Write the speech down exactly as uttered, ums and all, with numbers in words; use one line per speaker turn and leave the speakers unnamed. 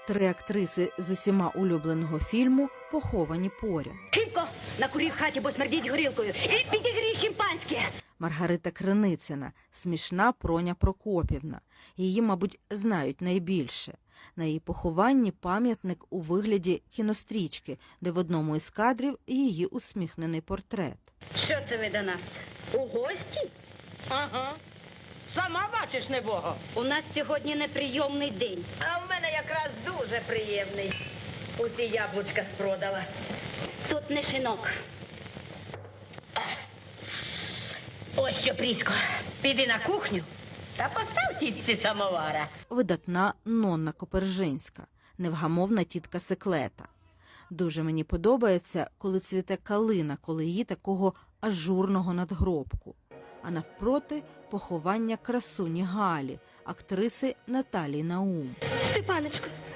Три актриси з усіма улюбленого фільму поховані поряд.
Химко, накурив в хаті, бо смердіть горілкою. І підігрій шимпанське.
Маргарита Криницина, смішна Проня Прокопівна. Її, мабуть, знають найбільше. На її похованні пам'ятник у вигляді кінострічки, де в одному із кадрів її усміхнений портрет.
Що це ви до нас? У гості?
Ага. Сама бачиш, небого.
У нас сьогодні неприйомний день.
А в мене якраз дуже приємний. Усі яблучка спродала.
Тут не шинок. Ось що, Прісько,
Піди на кухню та постав тітці самовара.
Видатна Нонна Копержинська, невгамовна тітка Секлета. Дуже мені подобається, коли цвіте калина, коли її такого ажурного надгробку. А навпроти поховання красуні Галі, актриси Наталії Наум.
Степаночко,